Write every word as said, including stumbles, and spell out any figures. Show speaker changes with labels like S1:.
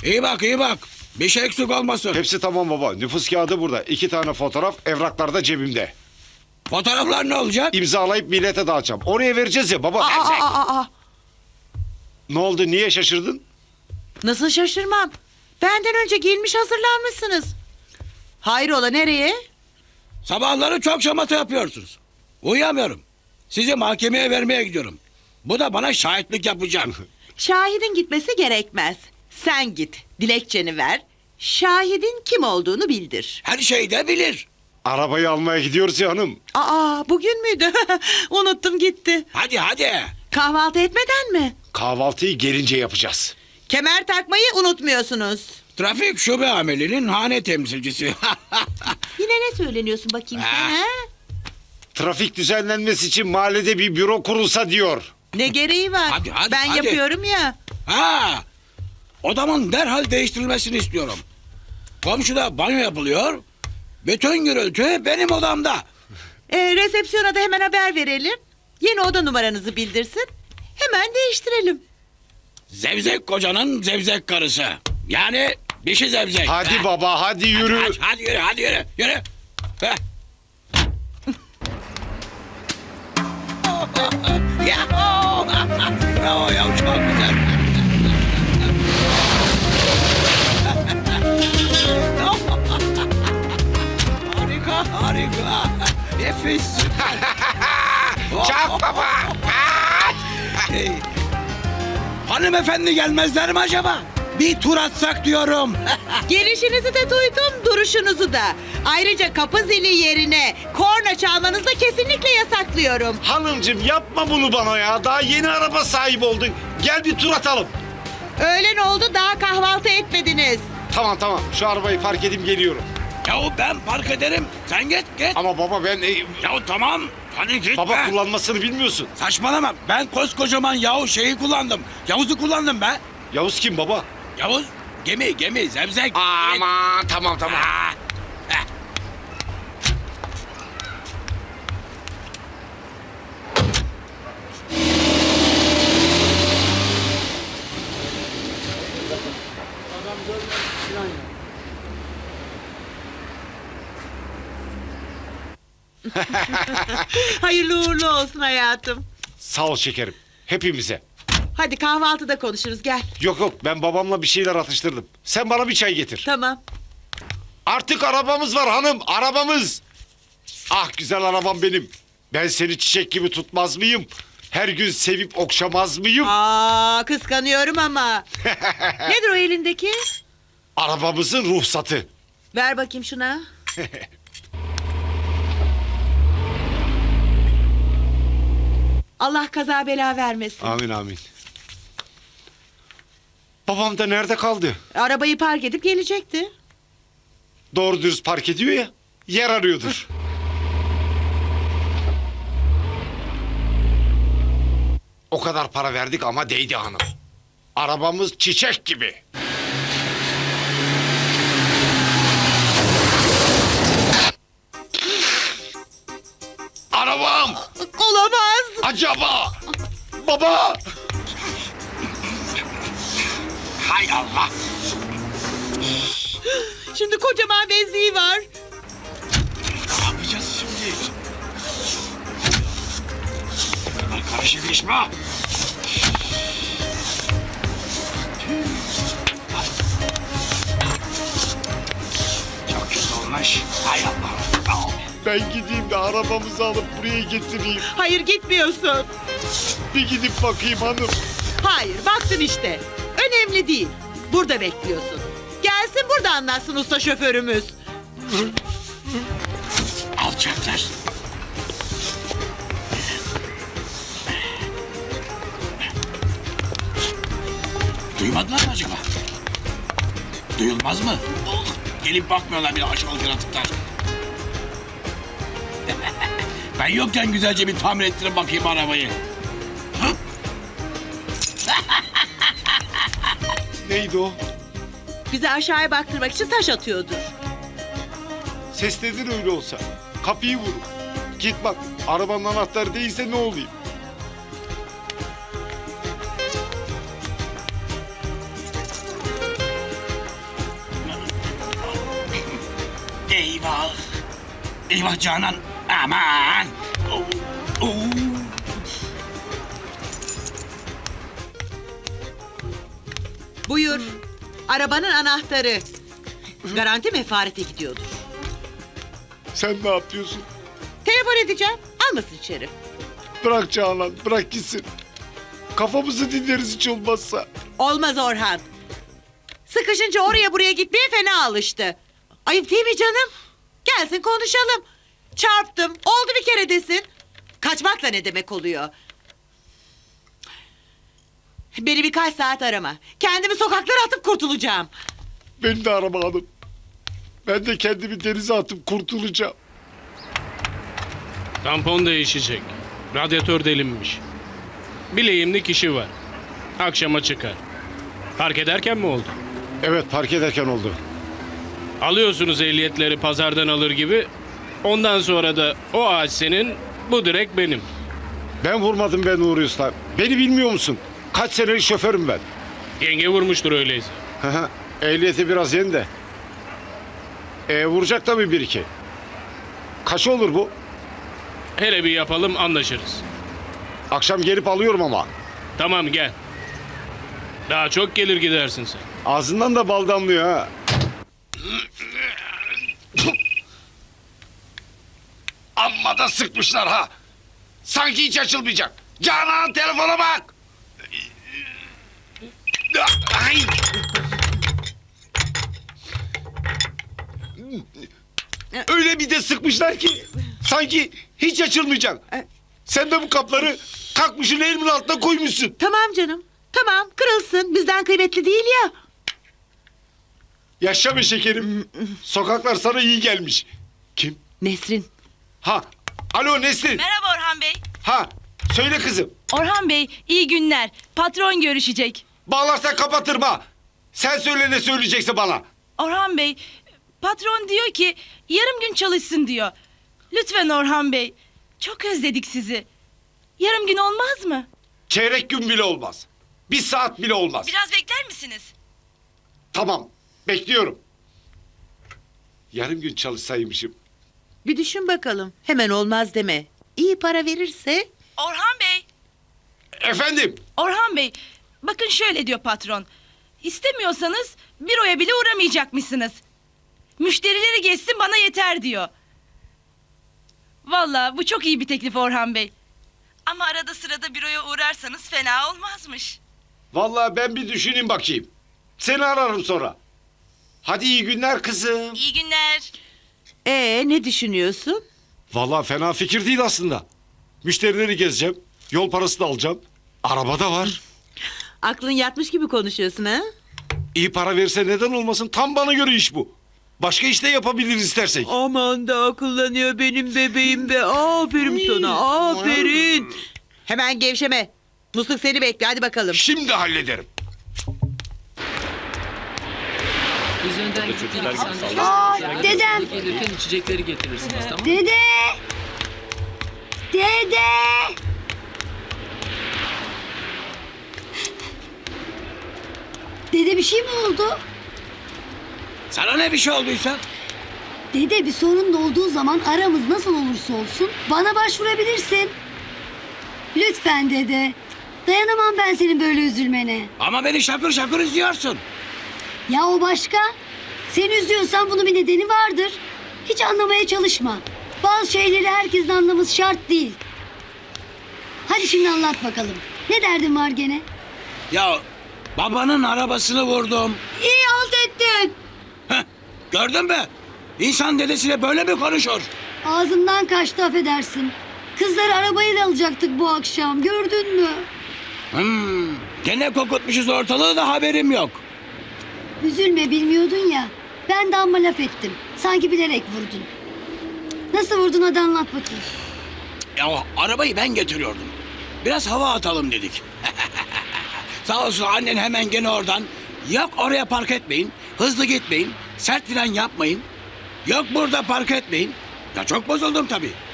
S1: İyi bak iyi bak. Bir şey eksik olmasın.
S2: Hepsi tamam baba. Nüfus kağıdı burada. İki tane fotoğraf, evraklar da cebimde.
S1: Fotoğraflar ne olacak?
S2: İmzalayıp millete dağıtacağım. Oraya vereceğiz ya baba.
S3: Aa, aa, aa, aa.
S2: Ne oldu? Niye şaşırdın?
S3: Nasıl şaşırmam? Benden önce giyinmiş hazırlanmışsınız. Hayrola nereye?
S1: Sabahları çok şamata yapıyorsunuz. Uyuyamıyorum. Sizi mahkemeye vermeye gidiyorum. Bu da bana şahitlik yapacak.
S3: Şahidin gitmesi gerekmez. Sen git, dilekçeni ver. Şahidin kim olduğunu bildir.
S1: Her şeyi de bilir.
S2: Arabayı almaya gidiyoruz ya hanım.
S3: Aa, bugün müydü? Unuttum gitti.
S1: Hadi hadi.
S3: Kahvaltı etmeden mi?
S2: Kahvaltıyı gelince yapacağız.
S3: Kemer takmayı unutmuyorsunuz.
S1: Trafik şube amelinin hane temsilcisi.
S3: Yine ne söyleniyorsun bakayım sen ha?
S2: Trafik düzenlenmesi için mahallede bir büro kurulsa diyor.
S3: Ne gereği var?
S1: Hadi, hadi,
S3: ben
S1: hadi.
S3: yapıyorum ya.
S1: Ha, odamın derhal değiştirilmesini istiyorum. Komşuda banyo yapılıyor. Bütün gürültü benim odamda.
S3: Ee, resepsiyona da hemen haber verelim. Yeni oda numaranızı bildirsin. Hemen değiştirelim.
S1: Zevzek kocanın zevzek karısı. Yani dişi zevzek.
S2: Hadi
S1: Ha.
S2: baba hadi yürü.
S1: Hadi, hadi yürü, hadi yürü, yürü. Heh. Yahu! Bravo ya, çok güzel. Harika, harika. Nefis.
S2: Çak baba.
S1: Hey. Hanımefendi gelmezler mi acaba? Bir tur atsak diyorum.
S3: Gelişinizi de duydum, duruşunuzu da. Ayrıca kapı zili yerine korna çalmanızı da kesinlikle yasaklıyorum.
S2: Hanımcığım yapma bunu bana ya. Daha yeni araba sahibi oldun. Gel bir tur atalım.
S3: Öğlen oldu, daha kahvaltı etmediniz.
S2: Tamam tamam şu arabayı park edeyim geliyorum.
S1: Yahu ben park ederim. Sen git git.
S2: Ama baba ben... e,
S1: Yahu tamam. Hadi git
S2: baba
S1: be.
S2: kullanmasını bilmiyorsun.
S1: Saçmalama. Ben koskocaman yahu şeyi kullandım. Yavuz'u kullandım be.
S2: Yavuz kim baba?
S1: Yavuz gemi gemi zevzek.
S2: Aman tamam tamam.
S1: Ha. Heh.
S3: Hayırlı uğurlu olsun hayatım.
S2: Sağ ol şekerim. Hepimize.
S3: Hadi kahvaltıda konuşuruz, gel.
S2: Yok yok ben babamla bir şeyler atıştırdım. Sen bana bir çay getir.
S3: Tamam.
S2: Artık arabamız var hanım arabamız. Ah güzel arabam benim. Ben seni çiçek gibi tutmaz mıyım? Her gün sevip okşamaz mıyım?
S3: Aa, kıskanıyorum ama. Nedir o elindeki?
S2: Arabamızın ruhsatı.
S3: Ver bakayım şuna. Allah kaza bela vermesin.
S2: Amin amin. Babam da nerede kaldı?
S3: Arabayı park edip gelecekti.
S2: Doğru dürüst park ediyor ya. Yer arıyordur. O kadar para verdik ama değdi hanım. Arabamız çiçek gibi. Arabam!
S3: Olamaz.
S2: Acaba! Baba!
S1: Hay Allah.
S3: Şimdi kocaman bezliği var.
S1: Ne yapacağız şimdi? Bunlar karışık iş mi? Çok kötü olmuş. Hay Allah. Al.
S2: Ben gideyim de arabamızı alıp buraya getireyim.
S3: Hayır, gitmiyorsun.
S2: Bir gidip bakayım hanım.
S3: Hayır, baktın işte. Önemli değil. Burada bekliyorsun. Gelsin burada anlatsın usta şoförümüz.
S1: Alçaklar. Duymadılar mı acaba? Duyulmaz mı? Oh, gelip bakmıyorlar bile aşağılık yaratıklar. Ben yokken güzelce bir tamir ettirin bakayım arabayı. Hı?
S2: Neydi o?
S3: Bize aşağıya baktırmak için taş atıyordur.
S2: Sesledin öyle olsa. Kapıyı vurun. Git bak. Arabanın anahtarı değilse ne olayım?
S1: Eyvah Canan. Aman. Oo, oo.
S3: Buyur. Arabanın anahtarı. Garanti mefarete gidiyordur.
S2: Sen ne yapıyorsun?
S3: Telefon edeceğim. Almasın içeri.
S2: Bırak Canan, bırak gitsin. Kafamızı dinleriz hiç olmazsa.
S3: Olmaz Orhan. Sıkışınca oraya buraya gitmeye fena alıştı. Ayıp değil mi canım? Gelsin konuşalım. Çarptım. Oldu bir kere desin. Kaçmak da ne demek oluyor? Beni birkaç saat arama. Kendimi sokaklara atıp kurtulacağım.
S2: Beni de arama hanım. Ben de kendimi denize atıp kurtulacağım.
S4: Tampon değişecek. Radyatör delinmiş. Bileğimlik işi var. Akşama çıkar. Park ederken mi oldu?
S2: Evet, park ederken oldu.
S4: Alıyorsunuz ehliyetleri pazardan alır gibi. Ondan sonra da o ağaç senin, bu direk benim.
S2: Ben vurmadım ben Nuri Usta. Beni bilmiyor musun? Kaç senelik şoförüm ben.
S4: Yenge vurmuştur öyleyse.
S2: Hı hı, Ehliyeti biraz yeni de. E, vuracak tabii bir iki. Kaç olur bu?
S4: Hele bir yapalım anlaşırız.
S2: Akşam gelip alıyorum ama.
S4: Tamam gel. Daha çok gelir gidersin sen.
S2: Ağzından da bal damlıyor ha. Amma da sıkmışlar ha. Sanki hiç açılmayacak. Canan telefona bak. Ay. Öyle bir de sıkmışlar ki sanki hiç açılmayacak. Sen de bu kapları kalkmışın elimin altına koymuşsun.
S3: Tamam canım. Tamam kırılsın. Bizden kıymetli değil ya.
S2: Yaşa be şekerim. Sokaklar sana iyi gelmiş. Kim?
S3: Nesrin.
S2: Ha. Alo Nesrin.
S5: Merhaba Orhan Bey.
S2: Ha. Söyle kızım.
S5: Orhan Bey, iyi günler. Patron görüşecek.
S2: Bağlarsan kapatırım ha. Sen söyle ne söyleyecekse bana.
S5: Orhan Bey, patron diyor ki yarım gün çalışsın diyor. Lütfen Orhan Bey, çok özledik sizi. Yarım gün olmaz mı?
S2: Çeyrek gün bile olmaz. Bir saat bile olmaz.
S5: Biraz bekler misiniz?
S2: Tamam. Bekliyorum. Yarım gün çalışsaymışım.
S3: Bir düşün bakalım. Hemen olmaz deme. İyi para verirse...
S5: Orhan Bey,
S2: Efendim.
S5: Orhan Bey, bakın şöyle diyor patron. İstemiyorsanız büroya bile uğramayacakmışsınız. Müşterileri geçsin bana yeter diyor. Vallahi bu çok iyi bir teklif Orhan Bey. Ama arada sırada büroya uğrarsanız fena olmazmış.
S2: Vallahi ben bir düşüneyim bakayım. Seni ararım sonra. Hadi iyi günler kızım.
S5: İyi günler.
S3: Ee ne düşünüyorsun?
S2: Vallahi fena fikir değil aslında. Müşterileri gezeceğim. Yol parası da alacağım. Araba da var.
S3: Aklın yatmış gibi konuşuyorsun ha?
S2: İyi para verirse neden olmasın? Tam bana göre iş bu. Başka iş de yapabiliriz istersek.
S3: Aman da akıllanıyor benim bebeğim be. Aferin sana aferin. Hemen gevşeme. Musluk seni bekle hadi bakalım.
S2: Şimdi hallederim.
S6: Biz önden gidip
S7: Aa, dedem.
S6: gelirken içecekleri getirirsiniz tamam mı?
S7: Dede! Dede! Dede bir şey mi oldu?
S1: Sana ne bir şey olduysa?
S7: Dede bir sorun da olduğu zaman aramız nasıl olursa olsun bana başvurabilirsin. Lütfen dede. Dayanamam ben senin böyle üzülmene.
S1: Ama beni şakır şakır izliyorsun.
S7: Ya o başka? Seni üzüyorsan bunun bir nedeni vardır. Hiç anlamaya çalışma. Bazı şeyleri herkesin anlaması şart değil. Hadi şimdi anlat bakalım. Ne derdin var gene?
S1: Ya babanın arabasını vurdum.
S7: İyi halt ettin.
S1: Heh, gördün mü? İnsan dedesiyle böyle mi konuşur?
S7: Ağzımdan kaçtı affedersin. Kızları arabayla alacaktık bu akşam. Gördün mü?
S1: Hmm, gene kokutmuşuz ortalığı da haberim yok.
S7: Üzülme bilmiyordun ya. Ben de amma laf ettim. Sanki bilerek vurdun. Nasıl vurdun hadi anlat bakayım.
S1: Ya arabayı ben getiriyordum. Biraz hava atalım dedik. Sağ olsun annen hemen gene oradan. Yok oraya park etmeyin. Hızlı gitmeyin. Sert fren yapmayın. Yok burada park etmeyin. Ya çok bozuldum tabii.